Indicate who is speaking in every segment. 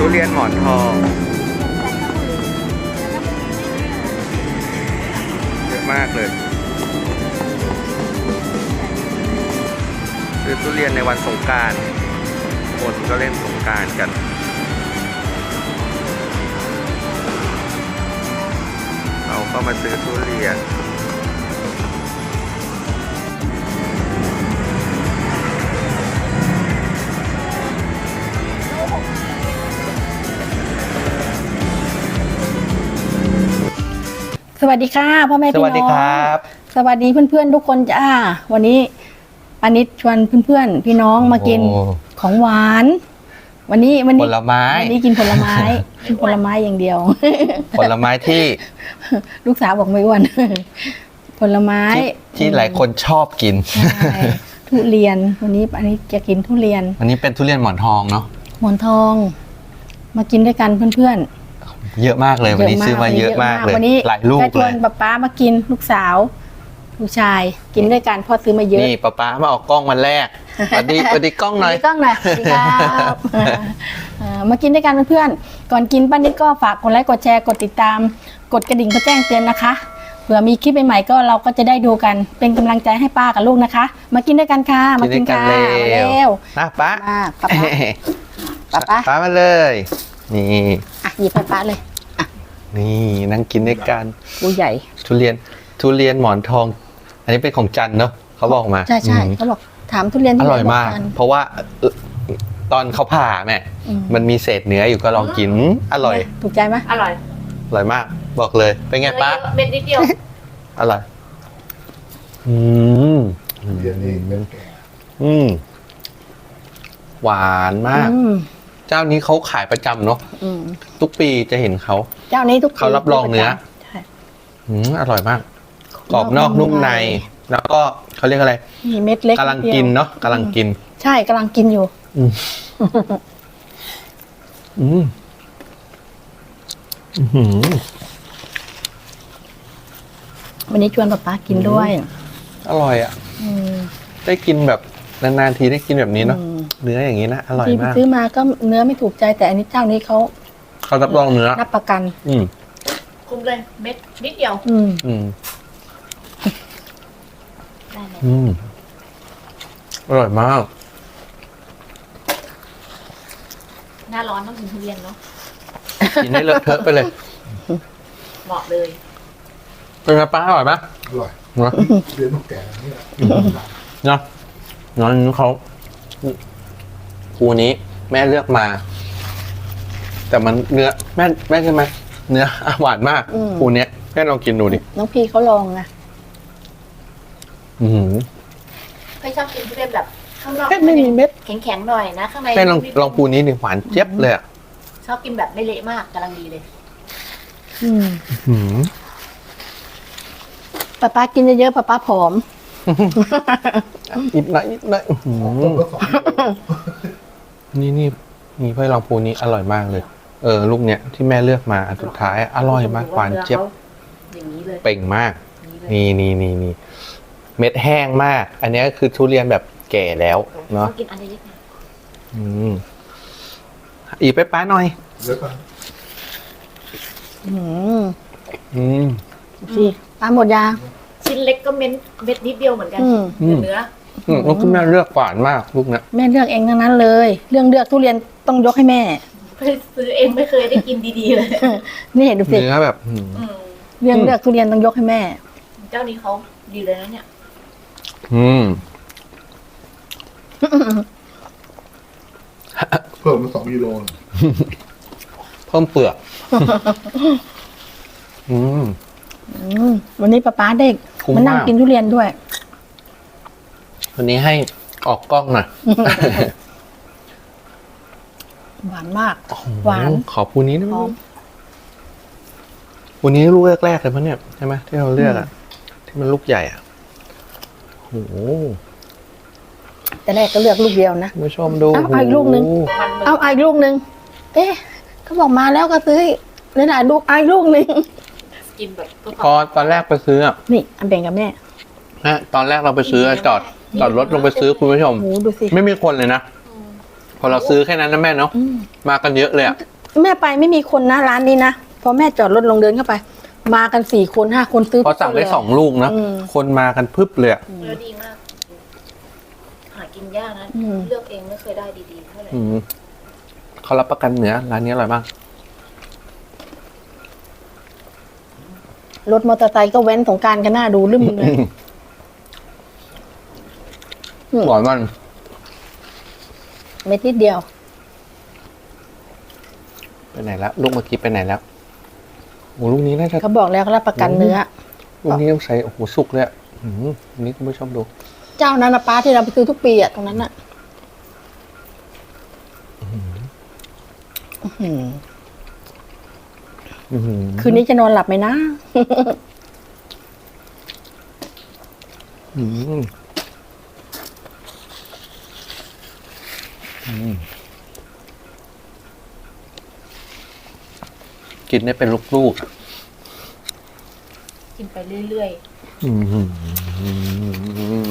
Speaker 1: ทุเรียนหมอนทองเยอะมากเลยซื้อทุเรียนในวันสงกรานต์คนก็เล่นสงกรานต์กันเราก็มาซื้อทุเรียน
Speaker 2: สวัสดีค่ะพ่อแม่พี่น้อง
Speaker 1: สวัสดีครับ
Speaker 2: สวัสดีเพื่อนๆทุกคนจ้าวันนี้ปานิชชวนเพื่อนๆพี่น้องมากินของหวาน วันนี้
Speaker 1: ผลไม้
Speaker 2: วันนี้กินผลไม้ กินผลไม้อย่างเดียว
Speaker 1: ผลไม้ที่
Speaker 2: ลูกสาวบอกไม่อ้วน ผลไม้
Speaker 1: ที่หลายคนชอบกิน
Speaker 2: ใช่ทุเรียนวันนี้อันนี้จะกินทุเรียน
Speaker 1: อันนี้เป็นทุเรียนหมอนทองเนาะ
Speaker 2: หมอนทอง มากินด้วยกันเพื่อนๆ
Speaker 1: เยอะมากเลยวันนี้ซื้อมาเยอะมากเลย
Speaker 2: วันนี้
Speaker 1: หลายลูก
Speaker 2: จะช
Speaker 1: เล
Speaker 2: วน
Speaker 1: ย
Speaker 2: ป๊ามากินลูกสาวลูกชายกินด้วยกันพ่อซื้อมาเยอะ
Speaker 1: นี่ป๊ามาออกกล้องวันแรกสวัสดีกล้องหน่อย
Speaker 2: มีกล้องหน่อยสวัสดีครับมากินด้วยกันเพื่อนๆก่อนกินป้านิดก็ฝากกดไลค์กดแชร์กดติดตามกดกระดิ่งเพื่อแจ้งเตือนนะคะเผื่อมีคลิปใหม่ๆก็เราก็จะได้ดูกันเป็นกำลังใจให้ป้ากับลูกนะคะ มากินด้วยกันค่ะมากินค่ะมาเร็ว
Speaker 1: นะป๊า
Speaker 2: มาป๊า
Speaker 1: ป๊ามาเลยนี่
Speaker 2: อ่ะหยิบให้ป้าเลย
Speaker 1: นี่นั่งกินด้วยกัน
Speaker 2: ผู้ใหญ่
Speaker 1: ทุเรียนหมอนทอง อันนี้เป็นของจันเนาะเขาบอกมา
Speaker 2: ใช่เขาบอกถามทุเรียน
Speaker 1: อ
Speaker 2: ที่
Speaker 1: ร่อยมาก
Speaker 2: น
Speaker 1: เพราะว่าตอนเขาผ่าแม่มันมีเศษเนื้ออยู่ก็ลองกินอร่อย
Speaker 2: ถูกใจไหม
Speaker 3: อร่อย
Speaker 1: อร่อยมาก บอกเลยเป็นไงป๊า
Speaker 3: เม็ดนิดเดียว
Speaker 1: อร่อยหวานมาก เจ้านี้เขาขายประจำเนาะทุกปีจะเห็นเขา
Speaker 2: เจ้านี้ทุก
Speaker 1: เขารับรองเนื้อ
Speaker 2: ใช่
Speaker 1: อร่อยมากกรอบนอกนุ่มใน แล้วก็เขาเรียกอะไร
Speaker 2: มีเม็ดเล็ก
Speaker 1: กำลังกินเนาะกำลังกิน
Speaker 2: ใช่กำลังกินอยู่ วันนี้ชวนป๊ากินด้วย
Speaker 1: อร่อยอ่ะได้กินแบบนานๆทีได้กินแบบนี้เนาะเนื้ออย่างนี้นะอร่อย
Speaker 2: ที่
Speaker 1: มาก
Speaker 2: ซื้อมาก็เนื้อไม่ถูกใจแต่อันนี้เจ้านี้เขา
Speaker 1: เขารับรองเนื้อ
Speaker 2: รับประกัน
Speaker 3: คุ้มเลย เม็ดนิดเดียว ได้เลย
Speaker 1: อร่อยมาก
Speaker 3: หน้าร้อนต้องกินทุเรียนเนาะ
Speaker 1: กินให้เลอะเทอะไปเลย
Speaker 3: เหมาะเลย
Speaker 1: เป็นไงป้าอร่อยไหม
Speaker 4: อร่อย
Speaker 1: เนาะ
Speaker 4: เรียนนกแก่นี่แหละ
Speaker 1: เนาะน้องเขาภูนี้แม่เลือกมา แต่มันเนื้อแม่ใช่ไหมเนื้อหวานมากภูเนี้ยแม่ลองกินดูดิ
Speaker 2: น้องพีเขาลองนะ
Speaker 3: เคยชอบกินทุเรียนแบบข้างนอก
Speaker 2: ไม่มีเม็ด
Speaker 3: แข็งๆหน่อยนะ ข้างใน
Speaker 1: แม่ลองภูนี้ดิหวานเจี๊ยบเลยอ่ะ
Speaker 3: ชอบกินแบบไม่เละมากกำลังดีเลย
Speaker 2: ป๊ากินเยอะๆป๊าผอม
Speaker 1: อีกหน่อย
Speaker 4: ต้มก็2 กิโล
Speaker 1: นี่เพื่อลองภูนี้อร่อยมากเลย ลูกเนี้ยที่แม่เลือกมาอันสุดท้ายอร่อยมากหวานเจี๊ยบ
Speaker 3: อย่างนี้เลย
Speaker 1: เป่งมาก
Speaker 3: นี่เลย
Speaker 1: นี่เม็ดแห้งมาก อันนี้ก็คือทุเรียนแบบแก่แล้วเนาะ
Speaker 3: ต้องกินอันเล็กๆนะ
Speaker 1: อีกไปป้าหน่อย
Speaker 4: เดี๋ยวก่อน
Speaker 2: สิตามหมดยา
Speaker 3: ชิ้นเล็กก็เม็ดนิดเดียวเหมือนกันเนื้อ
Speaker 1: ลูกที่แม่เลือกหวานมากลูกเนี้ย
Speaker 2: แม่เลือกเองทั้งนั้นเลย เรื่องเลือกทุเรียนต้องยกให้แม่
Speaker 3: ไปซื้อเองไม่เคยได้กินดีๆเลย
Speaker 2: นี่ดูสิ
Speaker 1: เนื้อแบบ
Speaker 2: เรื่องเลือกทุเรียนต้องยกให้แม่
Speaker 3: เจ้านี้เขาดีเลยนะเนี่ย
Speaker 4: เพิ่มมา2 กิโล
Speaker 1: เพิ่มเปลือก
Speaker 2: วันนี้ป๊าเด็ก
Speaker 1: คุ้ม
Speaker 2: มานั่ง
Speaker 1: มาก
Speaker 2: กินทุเรียนด้วย
Speaker 1: วันนี้ให้ออกกล้องหน่อย
Speaker 2: หวานมาก หวาน
Speaker 1: ขอภูนี้ได้ไหม
Speaker 2: หอม
Speaker 1: ภูนี้ลูกแรกๆเลยปะเนี่ยใช่ไหมที่เราเลือกอะที่มันลูกใหญ่อะโอ้โห
Speaker 2: แต่แรกก็เลือกลูกเดียวนะ
Speaker 1: คุณผู้ชมดู
Speaker 2: เอาอีกลูกนึง
Speaker 1: โอ้โห
Speaker 3: มันเหมือน
Speaker 2: เอาอีกลูกนึง เอ๊ะเขาบอกมาแล้วก็ซื้อเลยนะลูกอีกลูกนึง
Speaker 3: กินแบบเพื่อ
Speaker 1: พอตอนแรกไปซื้ออะ
Speaker 2: นี่อันแบ่งกับแม่
Speaker 1: นะตอนแรกเราไปซื้อจอดรถลงไปซื้อคุณผู้ชม
Speaker 2: โหดูสิ
Speaker 1: ไม่มีคนเลยนะ พอเราซื้อแค่นั้นนะแม่เนาะมากันเยอะเลยอะ
Speaker 2: แม่ไปไม่มีคนนะร้านนี้นะพอแม่จอดรถลงเดินเข้าไป มากัน4 คน 5 คนซื้อ
Speaker 1: พอสั่งได้
Speaker 2: ทุกคนเลย
Speaker 1: 2 ลูกนะ
Speaker 2: อืม
Speaker 1: คนมากันพึบเลยอะ
Speaker 3: แล้วดีมาก หากินยากนะ
Speaker 2: อืม
Speaker 3: เลือกเองไม่เคยได้ดีๆเท่าไหร่
Speaker 1: อืมเขารับประกันเนื้อร้านนี้อร่อยมาก
Speaker 2: รถมอเตอร์ไซค์ก็เว้นสงกรารกันหน้าดูลืมเลย
Speaker 1: หวานมัน
Speaker 2: เม็ดนิดเดียว
Speaker 1: ไปไหนแล้วลูกเมื่อกี้ไปไหนแล้วโอ้ลูกนี้น่าจะ
Speaker 2: เขาบอกแล้วเขารับประกันเนื้อ
Speaker 1: ลูกนี้ต้องใช้โอ้โหสุกเลยอะอันนี้คุณผู้ชมดู
Speaker 2: เจ้านั้นนะป้าที่เราไปซื้อทุกปีอะตรงนั้นอะอื้อหือ
Speaker 1: อื้อหือ
Speaker 2: คืนนี้จะนอนหลับไหมนะ
Speaker 1: อืมอืมกินได้เป็นลูกๆอะ
Speaker 3: กินไปเรื่อย
Speaker 1: อืม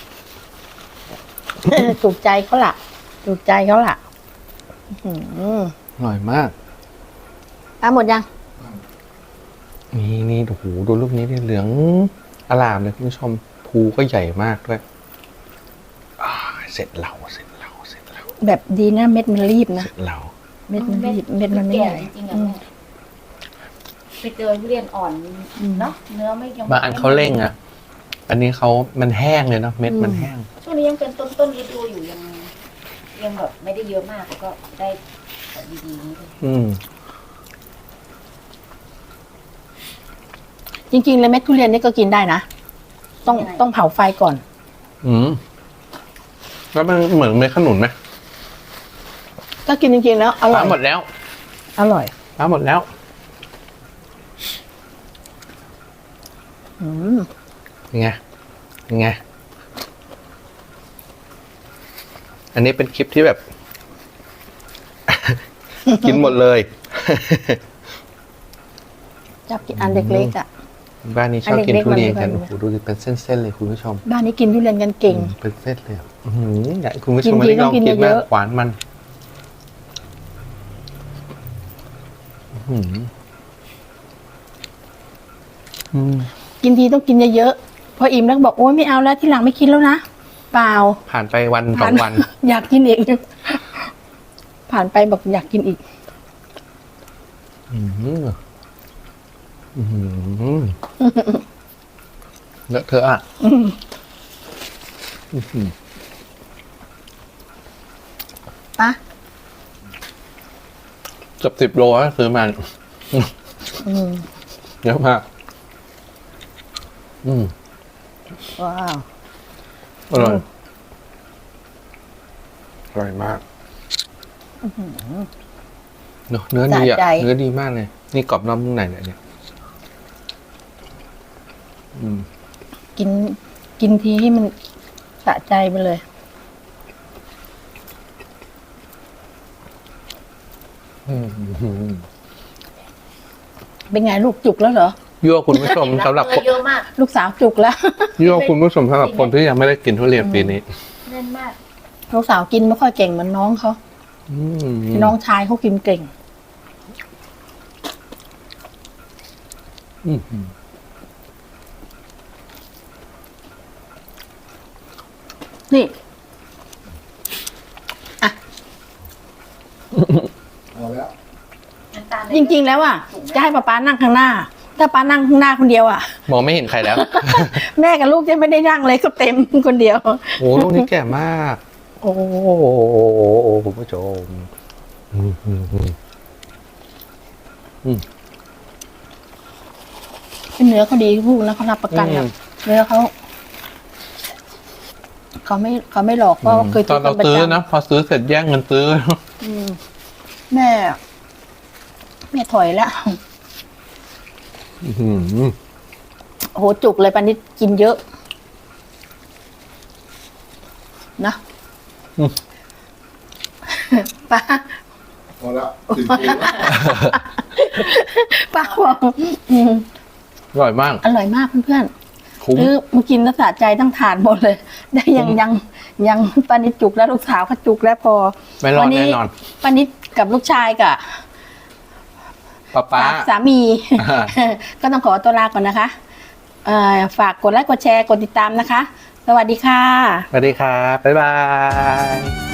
Speaker 2: ถูกใจเขาล่ะ ถูกใจเขาล่ะอื้อหือ
Speaker 1: อร่อยมาก
Speaker 2: หมดยัง
Speaker 1: นี่โอ้โหดูรูปนี้ดิเหลืองอลามเลยคุณผู้ชมภูก็ใหญ่มากด้วยเสร็จเรา
Speaker 2: แบบดีนะเม็ดมันรีบนะ
Speaker 1: เสร็จเรา
Speaker 3: ๆ
Speaker 2: เม็ดมันรีบเม็ดมันไม่
Speaker 3: แก่
Speaker 2: ใหญ่
Speaker 3: จริงๆอะแม่ไปเจอทุเรียนอ่อนเนาะเนื้อไม่ยัง
Speaker 1: บางอันเขาเร่งอ่ะ อันนี้มันแห้งเลยเนาะเม็ดมันแห้ง
Speaker 3: ช่วงนี้ยังเป็นต้นฤดูอยู่ยังแบบไม่ได้เยอะมากก็ได้แบบดีๆนิดนึง
Speaker 1: อืม
Speaker 2: จริงๆเลยเม็ดทุเรียนนี่ก็กินได้นะต้องเผาไฟก่อน
Speaker 1: อืมแล้วมันเหมือนเม็ดขนุนไหม
Speaker 2: ก็กินจริงๆแล้วอร่อย
Speaker 1: หมดแล้ว
Speaker 2: อร่อย
Speaker 1: หมดแล้ว
Speaker 2: อืม
Speaker 1: ยังไงอันนี้เป็นคลิปที่แบบ กินหมดเลย
Speaker 2: จับกินอันเล็กๆอ่ะ
Speaker 1: บ้านนี้ชอบกิน
Speaker 2: อันเล็กๆ
Speaker 1: ทุเรียนกัน
Speaker 2: มัน
Speaker 1: โอ้โหดูดิเป็นเส้นๆเลยคุณผู้ชม
Speaker 2: บ้านนี้กินทุเรียนกันเก่ง
Speaker 1: เป็นเส้นเลยอ่ะอื้อหืออยากให้คุณผู้ช
Speaker 2: กิ
Speaker 1: ม
Speaker 2: น
Speaker 1: มา
Speaker 2: ที
Speaker 1: ได้ลอง
Speaker 2: ต้องกิน
Speaker 1: กิน
Speaker 2: เย
Speaker 1: มาก
Speaker 2: อะ
Speaker 1: หวานมันอื้อหืออืม
Speaker 2: กินทีต้องกินเยอะๆพออิ่มแล้วก็บอกโอ๊ยไม่เอาแล้วที่หลังไม่กินแล้วนะเปล่า
Speaker 1: ผ่านไปวันสองวัน
Speaker 2: อยากกินอีก ผ่านไปบอกอยากกินอีก
Speaker 1: อื้อหืออื้อหือเลอะเทอะอ่ะอื้อหือ
Speaker 2: ปะ
Speaker 1: เกือบ10 โลแล้วซื้อมา
Speaker 2: อืม
Speaker 1: เยอะมาก
Speaker 2: ว้าว
Speaker 1: อร่อยอร่อยมากเนอะเนื้อดีอ่ะ
Speaker 2: สะใจ
Speaker 1: เนื้อดีมากเลย นี่กรอบนอกนุ่มในเลยเนี่ย
Speaker 2: กินทีให้มันสะใจไปเลย เป็นไงลูกจุกแล้วเหรอ
Speaker 1: ยั่วคุณผู้ชมสำหรับ
Speaker 3: เนื้อเยอะมาก
Speaker 2: ลูกสาวจุกแล้ว
Speaker 1: ยั่วคุณผู้ชมสำหรับคนที่ยังไม่ได้กินทุเรียนปีนี้
Speaker 3: แน่นมาก
Speaker 2: ลูกสาวกินไม่ค่อยเก่งเหมือนน้องเขา
Speaker 1: อืม
Speaker 2: น้องชายเขากินเก่ง
Speaker 1: อืม
Speaker 2: นี่
Speaker 4: เอาแล้ว
Speaker 3: น้ำตาล
Speaker 2: จริง ๆ แล้วอ่ะจะให้ป๊านั่งข้างหน้า ถ้าป๊านั่งข้างหน้าคนเดียวอ่ะ
Speaker 1: มองไม่เห็นใครแล้ว
Speaker 2: แม่กับลูกจะไม่ได้นั่งเลยก็เต็มคนเดียว
Speaker 1: โอ้ลูกนี้แก่มาก โอ้คุณผู้ชม
Speaker 2: เนื้อเขาดีลูกนะเขารับประกันอะเนื้อเขาไม่หลอกเพราะว่าเคย
Speaker 1: ตอนเรา
Speaker 2: ประ
Speaker 1: ซื้อ
Speaker 2: จำ
Speaker 1: นะพอซื้อเสร็จแย่งเงินซื้อ
Speaker 2: แม่ถอยแล้วโอ้โหจุกเลยปานิดกินเยอะ นะป้า
Speaker 4: เอาแล้วถึงคิวแล้ว
Speaker 2: ป้าบอก
Speaker 1: อร่อยมาก
Speaker 2: อร่อยมากเพื่อน
Speaker 1: คุ้ม
Speaker 2: ๆคือมากินแล้วสะใจต้องทานหมดเลย ได้ยังปานิดจุกแล้วลูกสาวก็จุกแล้วพอ
Speaker 1: ไม่รอดแน่นอน
Speaker 2: ปานิดกับลูกชายกับ
Speaker 1: ป๊า
Speaker 2: ฝากสามี
Speaker 1: อ่า
Speaker 2: ก็ต้องขอตัวลาก่อนนะคะฝากกดไลค์กดแชร์กดติดตามนะคะ สวัสดีค่ะ
Speaker 1: สวัสดีครับ บ๊ายบาย